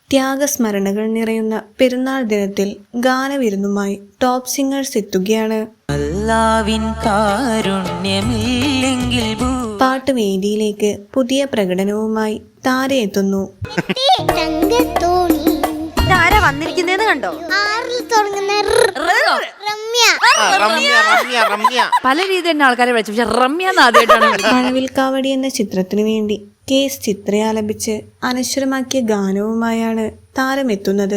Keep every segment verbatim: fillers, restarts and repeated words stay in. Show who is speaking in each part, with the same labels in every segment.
Speaker 1: ത്യാഗസ്മരണകൾ നിറയുന്ന പെരുന്നാൾ ദിനത്തിൽ ഗാനവിരുന്നുമായി ടോപ്പ് സിംഗേഴ്സ് എത്തുകയാണ്. പാട്ടുവേദിയിലേക്ക് പുതിയ പ്രകടനവുമായി താര എത്തുന്നു.
Speaker 2: വന്നിരിക്കുന്നേന്ന് കണ്ടോ? പല രീതി തന്നെ ആൾക്കാരെ വിളിച്ചു, പക്ഷെ റമ്യ ആദ്യമായിട്ടാണ്.
Speaker 1: മഴവിൽക്കാവടി എന്ന ചിത്രത്തിനു വേണ്ടി കെ എസ് ചിത്ര ആലപിച്ച് അനശ്വരമാക്കിയ ഗാനവുമായാണ് താരമെത്തുന്നത്.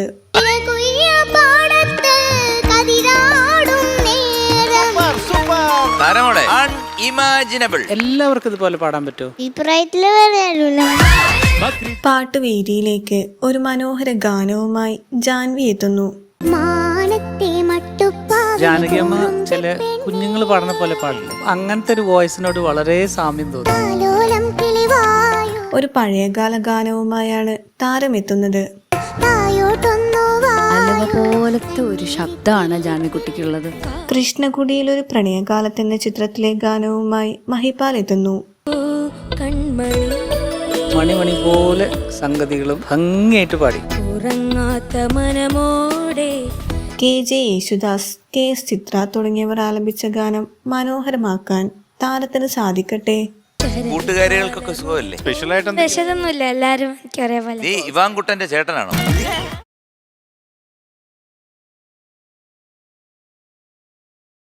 Speaker 3: എല്ലാവർക്കും ഇതുപോലെ പാടാൻ പറ്റുമോ?
Speaker 1: പാട്ടുവേദിയിലേക്ക് ഒരു മനോഹര ഗാനവുമായി ജാൻവി എത്തുന്നു.
Speaker 3: ജാനകിയമ്മ ചില കുഞ്ഞുങ്ങൾ പാടുന്ന പോലെ പാടില്ല, അങ്ങനത്തെ ഒരു വോയിസിനോട് വളരെ സാമ്യം തോന്നുന്നു.
Speaker 1: ഒരു പഴയകാല ഗാനവുമായാണ് താരമെത്തുന്നത്.
Speaker 2: പോലത്തെ ഒരു ശബ്ദമാണ് ജാനകിക്കുട്ടിക്കുള്ളത്.
Speaker 1: കൃഷ്ണകുടിയിൽ ഒരു പ്രണയകാലത്ത് എന്ന ചിത്രത്തിലെ ഗാനവുമായി മഹിപാൽ എത്തുന്നു.
Speaker 3: മണിമണി പോലെ സംഗതികളും ഭംഗിയായിട്ട് പാടി.
Speaker 1: K J Yesudas, K S Chithra തുടങ്ങിയവർ ആലപിച്ച ഗാനം മനോഹരമാക്കാൻ താരത്തിന് സാധിക്കട്ടെ.
Speaker 4: കൂട്ടുകാരികൾക്കൊക്കെ സുഖമല്ലേ?
Speaker 5: സ്പെഷ്യൽ ആയിട്ടൊന്നും എല്ലാരും ഒരേപോലെ.
Speaker 4: ഇവാൻകുട്ടന്റെ ചേട്ടനാണോ?